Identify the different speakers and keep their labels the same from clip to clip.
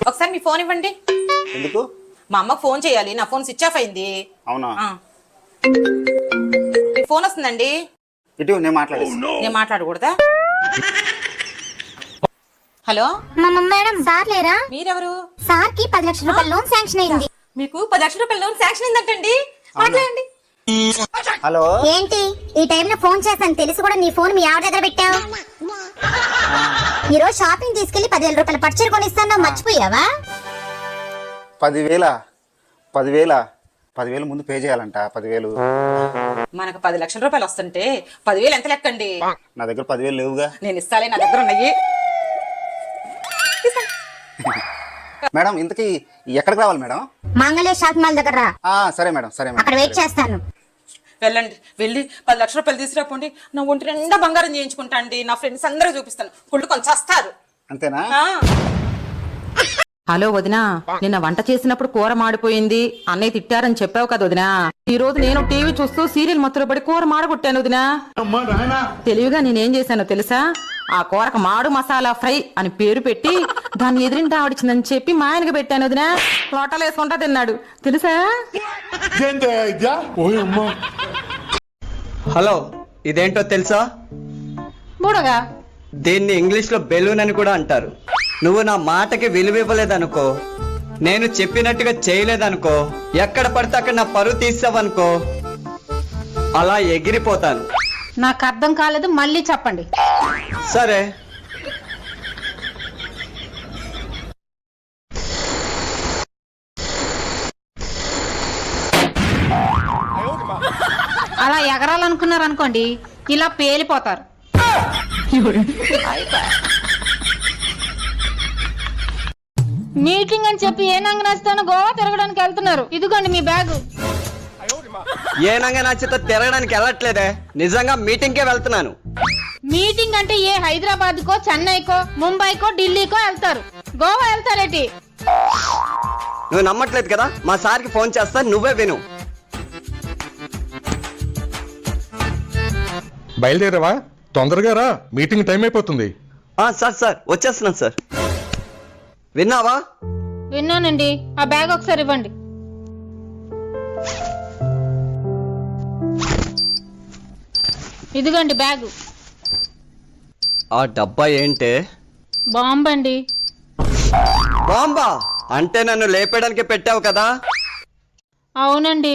Speaker 1: ఒకసారి మీ ఫోన్ ఇవ్వండి.
Speaker 2: ఎందుకు?
Speaker 1: మా అమ్మకు ఫోన్ చేయాలి, నా ఫోన్ స్విచ్ ఆఫ్ అయింది.
Speaker 2: అవునా?
Speaker 1: మీ ఫోన్ వస్తుందండి.
Speaker 2: ఇటు నేను మాట్లాడేస్తాను.
Speaker 1: నేను మాట్లాడకూడదా? హలో
Speaker 3: మేడం, సార్ లేరా?
Speaker 1: మీరెవరు?
Speaker 3: సార్ కి 10 లక్షల రూపాయల లోన్ శాంక్షన్ అయింది.
Speaker 1: మీకు 10 లక్షల రూపాయల లోన్ శాంక్షన్ అయిందంటండి. మాట్లాడండి.
Speaker 2: హలో,
Speaker 3: ఏంటి ఈ టైంలో ఫోన్ చేస్తాను తెలిసి కూడా నీ ఫోన్ మీ ఆవిడ దగ్గర పెట్టావు? ఈ రోజు షాపింగ్ తీసుకెళ్లి 10,000 రూపాయల పట్టుచీర కొనిస్తాను, మర్చిపోయావా?
Speaker 2: 10,000 ముందు పే చేయాలంట. 10,000
Speaker 1: మనకు 10 లక్షల రూపాయలు వస్తుంటే 10,000 ఎంత లెక్కండి?
Speaker 2: నా దగ్గర 10,000 లేవుగా.
Speaker 1: నేను ఇస్తాలే, నా దగ్గర ఉన్నాయి.
Speaker 2: మేడం, ఇంతకీ ఎక్కడికి రావాలి మేడం?
Speaker 3: మంగళ షాపింగ్ మాల్ దగ్గర రా.
Speaker 2: సరే మేడం, సరే మేడం,
Speaker 3: అక్కడ వెయిట్ చేస్తాను.
Speaker 1: వెళ్ళండి, వెళ్ళి 10 లక్షల రూపాయలు తీసుకురాపోండి. నా ఒంటి నిండా బంగారం చేయించుకుంటా అండి. నా ఫ్రెండ్స్ అందరూ చూపిస్తాను, కుళ్ళు కొంచెం వస్తారు.
Speaker 2: అంతేనా?
Speaker 1: హలో వదినా, నిన్న వంట చేసినప్పుడు కూర మాడిపోయింది, అన్నయ్య తిట్టారని చెప్పావు కదా వదినా. ఈ రోజు నేను టీవీ చూస్తూ సీరియల్ మత్తులో పడి కూర మాడగొట్టాను వదినా. తెలివిగా నేనేం చేశానో తెలుసా? ఆ కూరకు మాడు మసాలా ఫ్రై అని పేరు పెట్టి దాన్ని ఎదిరింటి ఆవిడిచిందని చెప్పి మా ఆయనకి పెట్టాను వదినా. లోటలు వేసుకుంటా తిన్నాడు తెలుసా?
Speaker 4: హలో, ఇదేంటో తెలుసా?
Speaker 1: బుడగా
Speaker 4: దీన్ని ఇంగ్లీష్ లో బెలూన్ అని కూడా అంటారు. నువ్వు నా మాటకి విలువివ్వలేదనుకో, నేను చెప్పినట్టుగా చేయలేదనుకో, ఎక్కడ పడితే అక్కడ నా పరువు తీసావనుకో, అలా ఎగిరిపోతాను.
Speaker 5: నాకు అర్థం కాలేదు, మళ్ళీ చెప్పండి.
Speaker 4: సరే,
Speaker 5: అలా ఎగరాలనుకున్నారు అనుకోండి, ఇలా పేలిపోతారు. మీటింగ్ అని చెప్పి ఏ నంగనాచితోనో గోవా తిరగడానికి వెళ్తున్నారు. ఇదిగోండి మీ బ్యాగు.
Speaker 4: ఏ నంగనాచితో తిరగడానికి వెళ్ళట్లేదే, నిజంగా మీటింగ్కే వెళ్తున్నాను.
Speaker 5: మీటింగ్ అంటే ఏ హైదరాబాద్ కో, చెన్నైకో, ముంబైకో, ఢిల్లీకో వెళ్తారు. గోవా వెళ్తారేటి?
Speaker 4: నువ్వు నమ్మట్లేదు కదా, మా సార్కి ఫోన్ చేస్తా, నువ్వే విను.
Speaker 6: బయలుదేరావా? తొందరగా రా, మీటింగ్ టైం అయిపోతుంది.
Speaker 4: సార్ వచ్చేస్తున్నాను సార్. విన్నావా?
Speaker 5: విన్నానండి. ఆ బ్యాగ్ ఒకసారి ఇవ్వండి. ఇదిగోండి బ్యాగు.
Speaker 4: ఆ డబ్బా ఏంటే?
Speaker 5: బాంబండి.
Speaker 4: బాంబా అంటే నన్ను లేపేయడానికి పెట్టావు కదా?
Speaker 5: అవునండి.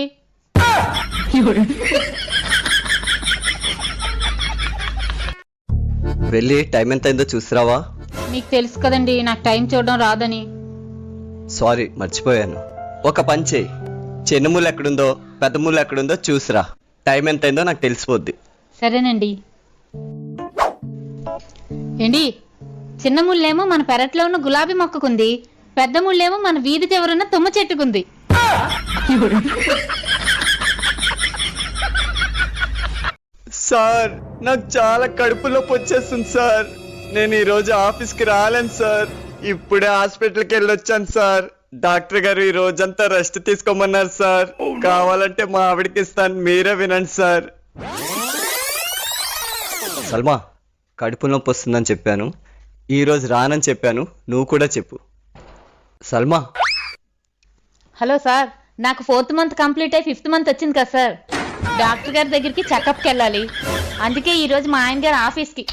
Speaker 4: వెళ్ళి టైం ఎంత అయిందో చూసిరావా?
Speaker 5: మీకు తెలుసు కదండి నాకు టైం చూడడం రాదని.
Speaker 4: సారీ, మర్చిపోయాను. ఒక పని చేయి, చిన్న ముళ్ళు ఎక్కడుందో పెద్ద ముళ్ళు ఎక్కడుందో చూసిరా. టైం ఎంత అయిందో నాకు తెలిసిపోద్ది.
Speaker 5: సరేనండి. ఏండి, చిన్న ముళ్ళేమో మన పెరట్లో ఉన్న గులాబీ మొక్కకుంది, పెద్ద ముళ్ళేమో మన వీధి చివరున్న తుమ్మ చెట్టుకుంది.
Speaker 4: సార్, నాకు చాలా కడుపు నొప్పి వచ్చేస్తుంది సార్. నేను ఈ రోజు ఆఫీస్కి రాలేను సార్. ఇప్పుడే హాస్పిటల్కి వెళ్ళొచ్చాను సార్. డాక్టర్ గారు ఈ రోజంతా రెస్ట్ తీసుకోమన్నారు సార్. కావాలంటే మా ఆవిడకి ఇస్తాను, మీరే వినండి సార్. సల్మా, కడుపు నొప్పి వస్తుందని చెప్పాను, ఈ రోజు రానని చెప్పాను, నువ్వు కూడా చెప్పు. సల్మా.
Speaker 5: హలో సార్, నాకు 4th మంత్ కంప్లీట్ అయ్యి 5th మంత్ వచ్చింది కదా సార్. డాక్టర్ గారి దగ్గరికి చెకప్కి వెళ్ళాలి. అందుకే ఈ రోజు మా ఆయన గారు ఆఫీస్కి.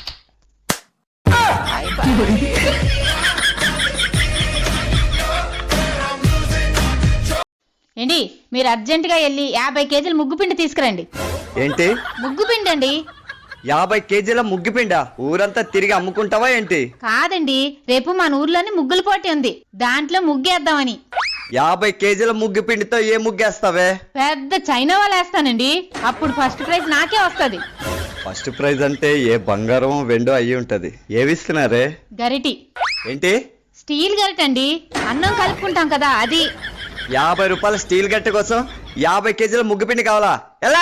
Speaker 5: ఏంటి, మీరు అర్జెంటుగా వెళ్ళి 50 కేజీల ముగ్గుపిండి తీసుకురండి.
Speaker 4: ఏంటి?
Speaker 5: ముగ్గుపిండి అండి.
Speaker 4: 50 కేజీల ముగ్గుపిండా? ఊరంతా తిరిగి అమ్ముకుంటావా ఏంటి?
Speaker 5: కాదండి, రేపు మన ఊర్లోని ముగ్గుల పోటీ ఉంది, దాంట్లో ముగ్గేద్దామని.
Speaker 4: 50 కేజీల ముగ్గు పిండితో ఏ ముగ్గేస్తావే?
Speaker 5: పెద్ద చైనా వాళ్ళు వేస్తానండి, అప్పుడు ఫస్ట్ ప్రైజ్ నాకే వస్తుంది.
Speaker 4: ఫస్ట్ ప్రైజ్ అంటే ఏ బంగారం వెండో అయ్యి ఉంటది. ఏవిస్తున్నారే?
Speaker 5: గరిటి.
Speaker 4: ఏంటి?
Speaker 5: స్టీల్ గరిట అండి, అన్నం కలుపుకుంటాం కదా అది.
Speaker 4: 50 రూపాయల స్టీల్ గట్టి కోసం 50 కేజీల ముగ్గు పిండి కావాలా? ఎలా?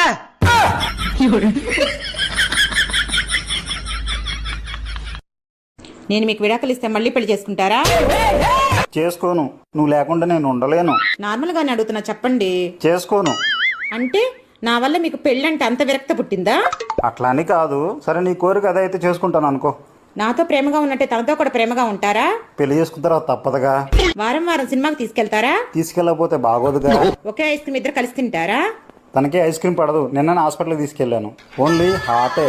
Speaker 1: నేను మీకు విడాకులు ఇస్తే మళ్ళీ పెళ్లి చేసుకుంటారా?
Speaker 2: చేసుకోను. నువ్వు లేకుండా నేను ఉండలేను.
Speaker 1: నార్మల్ గానే అడుగుతున్నా, చెప్పండి.
Speaker 2: చేసుకోను.
Speaker 1: అంటే నా వల్ల మీకు పెళ్ళంటే అంత విరక్త పుట్టిందా?
Speaker 2: అట్లా అని కాదు. సరే, నీ కోరిక అదైతే చేసుకుంటాను అనుకో.
Speaker 1: నాతో ప్రేమగా ఉన్నట్టే తనతో కూడా ప్రేమగా ఉంటారా?
Speaker 7: పెళ్లి చేసుకున్న తర్వాత తప్పదుగా.
Speaker 1: వారం వారం సినిమాకి తీసుకెళ్తారా?
Speaker 7: తీసుకెళ్ళకపోతే బాగోదుగా.
Speaker 1: ఒకే ఐస్ క్రీమ్ ఇద్దరు కలిసి తింటారా?
Speaker 7: తనకే ఐస్ క్రీమ్ పడదు. నిన్న హాస్పిటల్కి తీసుకెళ్ళాను. ఓన్లీ హాటే.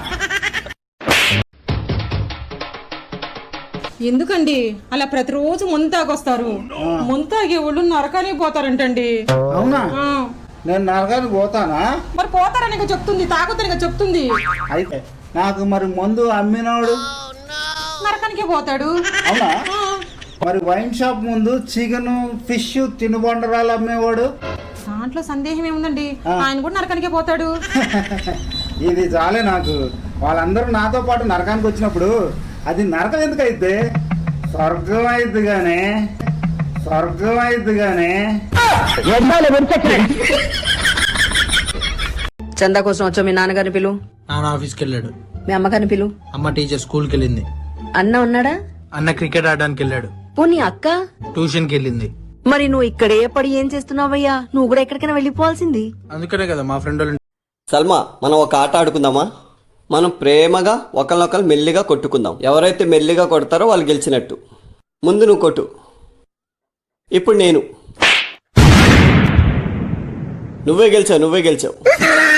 Speaker 1: ఎందుకండి అలా ప్రతిరోజు ముంతాగొస్తారు? ముంతాగే ఒళ్ళు నరకానికి పోతారంటండి.
Speaker 7: అవునా?
Speaker 1: ఆ,
Speaker 7: నేను నరకానికి పోతానా?
Speaker 1: మరి పోతారని చెప్తుంది, తాగుతారని చెప్తుంది.
Speaker 7: అయితే నాకు మరి మందు అమ్మినోడు
Speaker 1: నరకానికే పోతాడు.
Speaker 7: అవునా? మరి వైన్ షాప్ ముందు చికెన్ ఫిష్ తినుబండరాలు అమ్మేవాడు?
Speaker 1: దాంట్లో సందేహం ఏముందండి, ఆయన కూడా నరకానికే పోతాడు.
Speaker 7: ఇది చాలే నాకు. వాళ్ళందరూ నాతో పాటు నరకానికి వచ్చినప్పుడు అది నరకం ఎందుకు అయితే? స్వర్గం అయిద్ది గానే, స్వర్గం అయిద్ది గానే.
Speaker 8: చందా కోసం వచ్చా. మీ నాన్నగారిని పిలు.
Speaker 9: నాన్న ఆఫీస్కి వెళ్ళాడు.
Speaker 8: మీ అమ్మగారిని పిలు.
Speaker 9: అమ్మ టీచర్ స్కూల్కి వెళ్ళింది.
Speaker 8: అన్న ఉన్నాడా?
Speaker 9: అన్న క్రికెట్ ఆడడానికి వెళ్ళాడు.
Speaker 8: పోనీ అక్క?
Speaker 9: ట్యూషన్కి వెళ్ళింది.
Speaker 8: మరి నువ్వు ఇక్కడే పడి ఏం చేస్తున్నావయ్యా? నువ్వు కూడా ఎక్కడికైనా వెళ్ళిపోవాల్సింది.
Speaker 9: అందుకనే కదా మా ఫ్రెండ్ వాళ్ళు.
Speaker 10: సల్మా, మనం ఒక ఆట ఆడుకుందామా? మనం ప్రేమగా ఒకరినొకరు మెల్లిగా కొట్టుకుందాం. ఎవరైతే మెల్లిగా కొడతారో వాళ్ళు గెలిచినట్టు. ముందు నువ్వు కొట్టు. ఇప్పుడు నేను. నువ్వే గెలిచావు.